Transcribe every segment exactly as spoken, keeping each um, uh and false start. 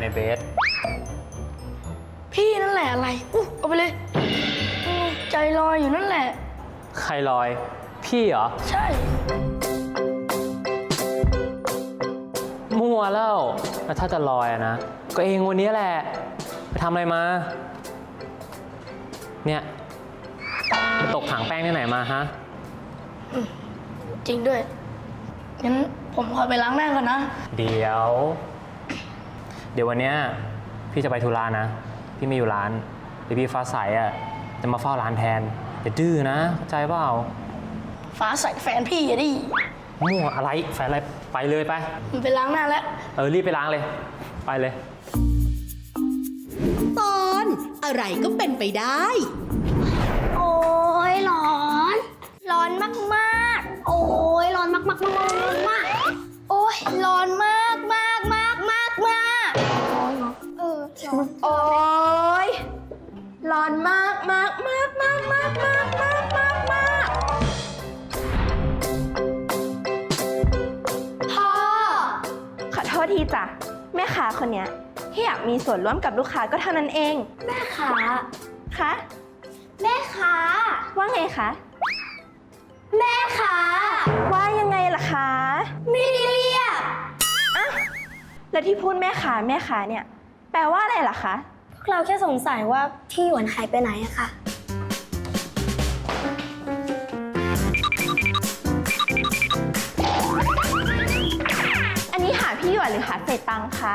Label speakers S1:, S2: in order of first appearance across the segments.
S1: เบส
S2: พี่นั่นแหละอะไรอู้เอาไปเลยใจลอยอยู่นั่นแหละ
S1: ใครลอยพี่เหรอ
S2: ใช่
S1: มั่วแล้วแล้วถ้าจะลอยอะนะก็เองวันนี้แหละไปทำอะไรมาเนี่ยไปตกถังแป้งที่ไหนมาฮะ
S2: จริงด้วยงั้นผมขอไปล้างหน้าก่อนนะ
S1: เดี๋ยวเดี๋ยววันเนี้ยพี่จะไปธุระนะพี่ไม่อยู่ร้านเดี๋ยวพี่ฟ้าใสอ่ะจะมาเฝ้าร้านแทนอย่าดื้อนะเข้าใจเปล่า
S2: ฟ้าใสแฟนพี่อย่าดิ
S1: มั่วอะไรแฟนอะไรไปเลยไป
S2: มันไปล้างหน้าแล้ว
S1: เออรีบไปล้างเลยไปเลย
S3: ตอนอะไรก็เป็นไปได้
S4: โอ้ยร้อนร้อนมากมากโอ้ยร้อนมากมากมากมากโอ้ยร้อนมากมากมากมากมากร้อนเนาะเออร้อนโอ้ยร้อนมากมากมากมากมากมากมากมากมากพ่อ
S5: ขอโทษทีจ้ะแม่ค้าคนเนี้ยที่อยากมีส่วนร่วมกับลูกค้าก็เท่านั้นเอง
S4: แม่ค้า
S5: คะ
S4: แม่ค้า
S5: ว่าไงคะ
S4: แม่ค้า
S5: ว่ายังไงล่ะคะ
S4: ไม่ได้เรียก
S5: อะแล้วที่พูดแม่ค้าแม่ค้าเนี่ยแปลว่าอะไรล่ะคะ
S4: พวกเราแค่สงสัยว่าพี่หยวนหายไปไหนอะค่ะ
S5: อันนี้หาพี่หยวนหรือหาเศษตังค์คะ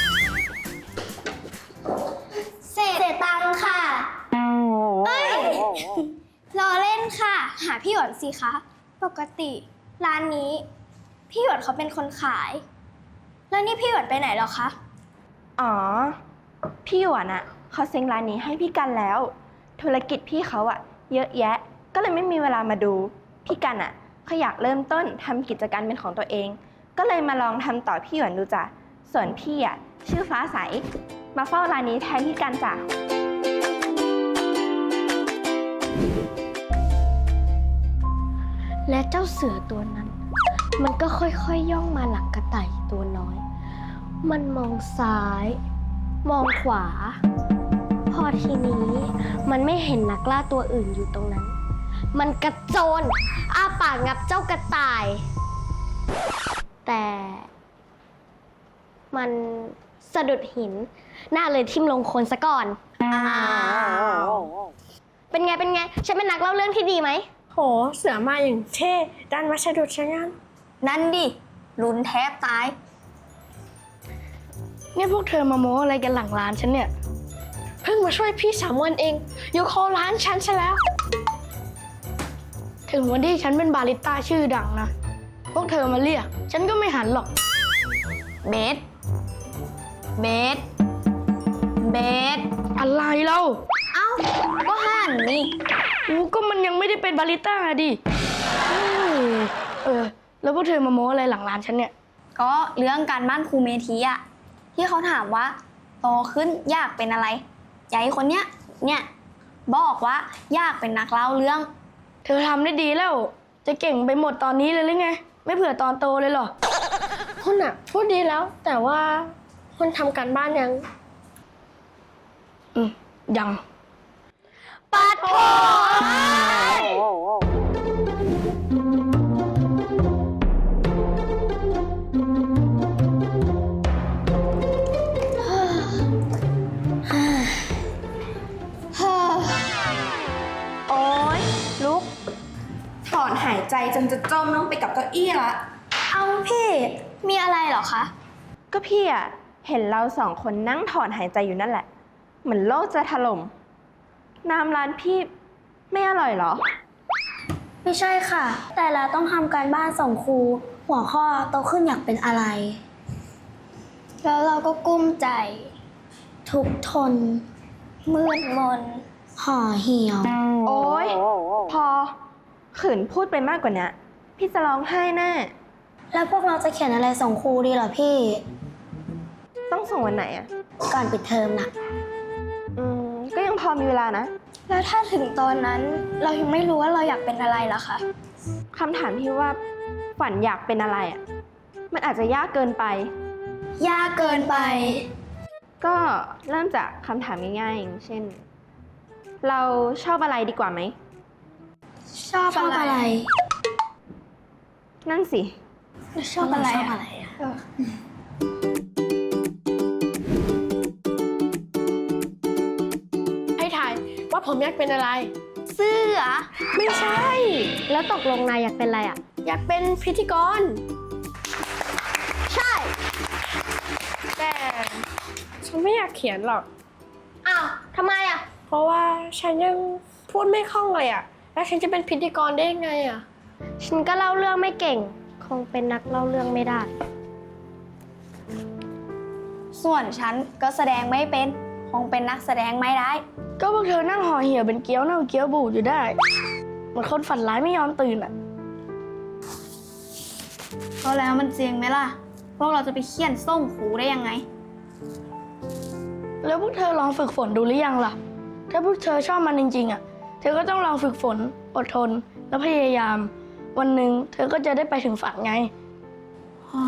S4: เศษตังค่ะเอ้ยรอเล่นค่ะหาพี่หยวนสิคะปกติร้านนี้พี่หยวนเขาเป็นคนขายแล้วนี่พี่หยวนไปไหนหรอคะ
S5: อ๋อพี่หยวนอะเขาเซ็งร้านนี้ให้พี่กันแล้วธุรกิจพี่เขาอะเยอะแยะก็เลยไม่มีเวลามาดูพี่กันอะเขาอยากเริ่มต้นทำกิจการเป็นของตัวเองก็เลยมาลองทำต่อพี่หยวนดูจ้ะส่วนพี่อะชื่อฟ้าใสมาเฝ้าร้านนี้แทนพี่กันจ้ะ
S4: และเจ้าเสือตัวนั้นมันก็ค่อยๆ ยย่องมาหลังกระต่ายตัวน้อยมันมองซ้ายมองขวาพอทีนี้มันไม่เห็นนักล่าตัวอื่นอยู่ตรงนั้นมันกระโจนอ้าปากงับเจ้ากระต่ายแต่มันสะดุดหินหน้าเลยทิ่มลงโคลนซะก่อนเป็นไงเป็นไงฉันเป็นนักเล่าเรื่องที่ดีไหม
S2: โหเสือมาอย่างเท่ดันมาสะดุดซะงั้น
S4: นั่นดิลุ้นแทบตาย
S2: เนี่ยพวกเธอมาโม้อะไรกันหลังร้านฉันเนี่ยเพิ่งมาช่วยพี่สามวันเองยกโคร้านฉันซะแล้วถึงวันที่ฉันเป็นบาริสต้าชื่อดังนะพวกเธอมาเรียกฉันก็ไม่หันหรอก
S4: เบสเบสเบส
S2: อะไรเล่า
S4: เอ้าก็หันนี่
S2: อู้ก็มันยังไม่ได้เป็นบาริสต้าดิเออแล้วพวกเธอมาโม้อะไรหลังร้านฉันเนี่ย
S4: ก็เรื่องการบ้านครูเมธีอะที่เขาถามว่าโตขึ้นอยากเป็นอะไรยายคนเนี้ยเนี่ยบอกว่าอยากเป็นนักเล่าเรื่อง
S2: เธอทำได้ดีแล้วจะเก่งไปหมดตอนนี้เลยหรือไงไม่เผื่อตอนโตเลยหรอคุณอะพูดดีแล้วแต่ว่าคุณทำการบ้านยังอืมยัง
S4: ปัดโถ
S5: โอ๊ยลุกถอนหายใจจนจะจมลงไปกับเก้าอี้ละ
S4: เอาพี่มีอะไรเหรอคะ
S5: ก็พี่อะเห็นเราสองคนนั่งถอนหายใจอยู่นั่นแหละเหมือนโลกจะถล่มน้ำร้านพี่ไม่อร่อยเหรอ
S4: ไม่ใช่ค่ะแต่เราต้องทำการบ้านส่งครูหัวข้อโตขึ้นอยากเป็นอะไรแล้วเราก็กุ้มใจทุกข์ทนมืดมนห่อเหี่ยว
S5: โอ๊ยพอขืนพูดไปมากกว่านี้พี่จะร้องไห้แน่
S4: แล้วพวกเราจะเขียนอะไรส่งครูดีเหรอพี่
S5: ต้องส่งวันไหนอะ
S4: ก่อนปิดเทอมนะ
S5: อืมก็ยังพอมีเวลานะ
S4: แล้วถ้าถึงตอนนั้นเรายังไม่รู้ว่าเราอยากเป็นอะไรล่ะคะ
S5: คำถามที่ว่าฝันอยากเป็นอะไรอะมันอาจจะยากเกินไป
S4: ยากเกินไป
S5: ก็เริ่มจากคำถามง่ายๆอย่างเช่น เราชอบอะไรดีกว่าไหม
S2: ชอบอะไร
S5: นั่นสิ
S2: ชอบอะไรอะให้ถ่ายว่าผมอยากเป็นอะไร
S4: เสื้อ
S2: ไม่ใช่
S4: แล้วตกลงนายอยากเป็นอะไรอ่ะ
S2: อยากเป็นพิธีกร
S4: ใช่
S2: แต่ฉันไม่อยากเขียนหรอก
S4: อ้าวทำไมอ่ะ
S2: เพราะว่าฉันยังพูดไม่คล่องเลยอะแล้วฉันจะเป็นพิธีกรได้ยังไงอะ
S4: ฉันก็เล่าเรื่องไม่เก่ง คงเป็นนักเล่าเรื่องไม่ได้
S6: ส่วนฉันก็แสดงไม่เป็น คงเป็นนักแสดงไม่ได้
S2: ก็พวกเธอนั่งห่อเหี่ยวเป็นเกี๊ยวเน่าเกี๊ยวบูดอยู่ได้เหมือนคนฝันร้ายไม่ยอมตื่นอะ
S6: ก็แล้วมันเจียงไหมล่ะ พวกเราจะไปเคี่ยนส่งครูได้ยังไง
S2: แล้วพวกเธอลองฝึกฝนดูหรือยังล่ะ ถ้าพวกเธอชอบมันจริงๆอะเธอก็ต้องลองฝึกฝน อดทน และพยายาม วันหนึ่งเธอก็จะได้ไปถึงฝันไง อ๋อ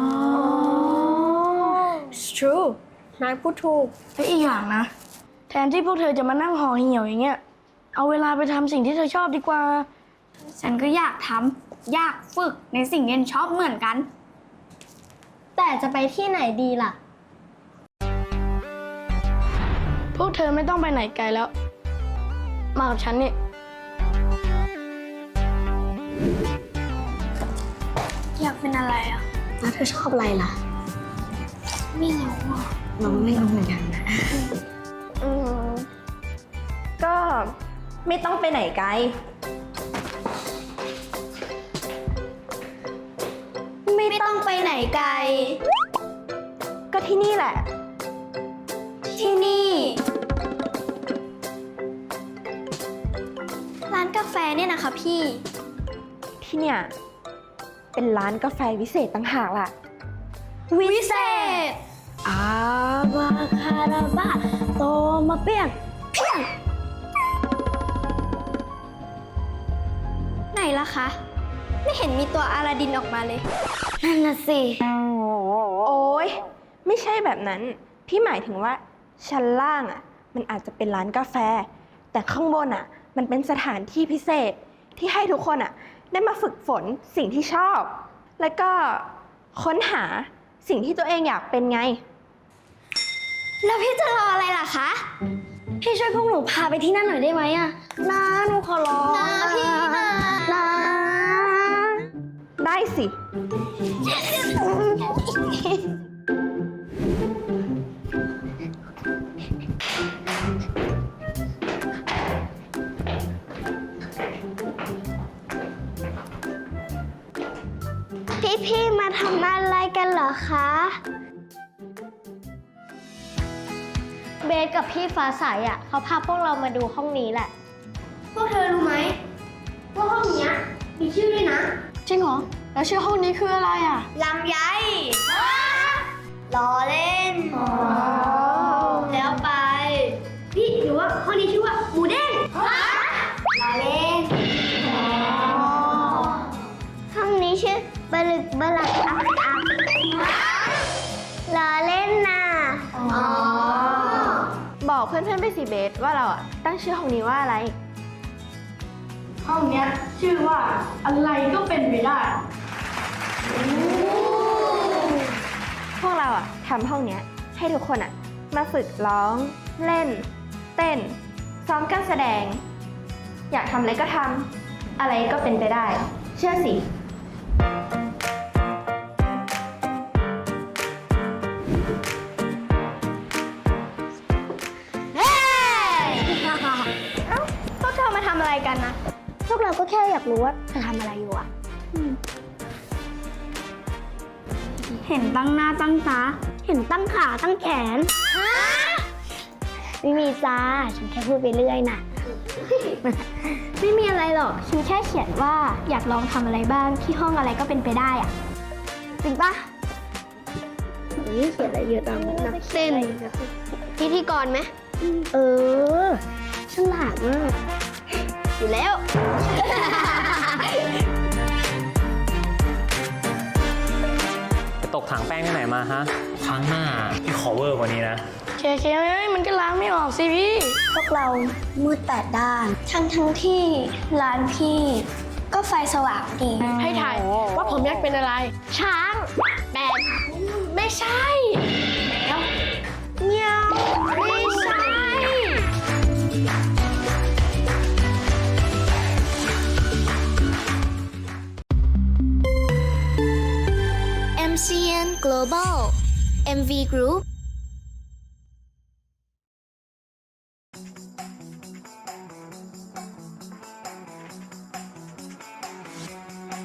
S2: It's true นายพูดถูกและอีกอย่างนะ แทนที่พวกเธอจะมานั่งห่อเหี่ยวอย่างเงี้ย เอาเวลาไปทำสิ่งที่เธอชอบดีกว่า
S6: ฉันก็อยากทำอยากฝึกในสิ่งที่ฉันชอบเหมือนกัน
S4: แต่จะไปที่ไหนดีล่ะ
S2: พวกเธอไม่ต้องไปไหนไกลแล้ว มากับฉันนี่
S6: อยากเป็นอะไรอ่ะ
S4: แล้วเธอชอบอะไรล่ะ
S6: ไม่รู้อ่ะ
S4: น้องไม่รู้เหมือนกันนะ
S5: อืมก็ไม่ต้องไปไหนไกล
S6: ไม่ต้องไปไหนไกล
S5: ก็ที่นี่แหละ
S6: ที่นี่ ร้านกาแฟเนี่ยนะคะพี่
S5: ที่เนี่ย เป็นร้านกาแฟวิเศษต่างหากล่ะ
S6: วิเศษ
S2: อาบาคาราบาโตมาเปียง
S6: ไหนล่ะคะ ไม่เห็นมีตัวอาลาดินออกมาเลย
S4: นั่นน่ะสิ
S5: โอ้ยไม่ใช่แบบนั้น พี่หมายถึงว่าชั้นล่างอ่ะ มันอาจจะเป็นร้านกาแฟ แต่ข้างบนอ่ะ มันเป็นสถานที่พิเศษที่ให้ทุกคนอ่ะ ได้มาฝึกฝนสิ่งที่ชอบ แล้วก็ค้นหาสิ่งที่ตัวเองอยากเป็นไง
S6: แล้วพี่จะรออะไรล่ะคะ
S4: พี่ช่วยพวกหนูพาไปที่นั่นหน่อยได้ไหมอะนะหนูขอร้อง
S6: นะพี่นะ
S4: นะ
S5: ได้สิ
S4: พี่พี่ๆมาทำอะไรกันเหรอคะ เบสกับพี่ฟ้าใสอ่ะเขาพาพวกเรามาดูห้องนี้แหละ พวกเธอรู้ไหมว่าห้องเนี้ยมีชื่อด้วยนะ
S2: จริงเหรอ แล้วชื่อห้องนี้คืออะไรอ่ะ
S6: ลำไยล้อเล่น แล้วไป
S4: พี่หรือว่าห้องนี้ชื่อว่าหมูเด้ง
S6: ล้อเล่น
S4: ห้องนี้ชื่อบลึกบลักอักอักล้อเล่นน่ะ
S5: บอกเพื่อนๆไปสิเบสว่าเราอ่ะตั้งชื่อห้องนี้ว่าอะไร
S2: ห้องเนี้ยชื่อว่าอะไรก็เป็นไปได้
S5: พวกเราอ่ะทำห้องเนี้ยให้ทุกคนอ่ะมาฝึกร้อง เล่น เต้น ซ้อมการแสดง อยากทำอะไรก็ทำอะไรก็เป็นไปได้ เชื่อสิ
S6: เฮ้ย เอ้าพวกเธอมาทำอะไรกันนะ
S4: พวกเราก็แค่อยากรู้ว่าเธอทำอะไรอยู่อ่ะ
S6: เห็นตั้งหน้าตั้งตา
S4: เห็นตั้งขาตั้งแขน ไม่มีจ้า ฉันแค่พูดไปเรื่อยน่ะ
S6: ไม่มีอะไรหรอก ฉันแค่เขียนว่าอยากลองทำอะไรบ้างที่ห้องอะไรก็เป็นไปได้อะจริงปะ
S4: นี่เขียนอะไรเยอะจังนัก
S6: เต้น พิธีกรไหม
S4: เออฉลาดมาก
S6: อยู่แล้ว
S1: ไปตกถังแป้งที่ไหนมาฮะ ครั้งหน้าพี่ขอเวอร์กว่านี้นะ
S2: เคเคเอ้ยมันก็ล้างไม่ออกสิพี่
S6: พวกเรามืดแปดด้าน ทั้งทั้งที่ร้านพี่ก็ไฟสว่างดี
S2: ให้ถ่ายว่าผมอยากเป็นอะไร
S6: ช้าง
S2: แบนไม่ใช่แล้วเงี้ยวไม่ใช่
S6: เอ็ม ซี เอ็น Global เอ็ม วี Group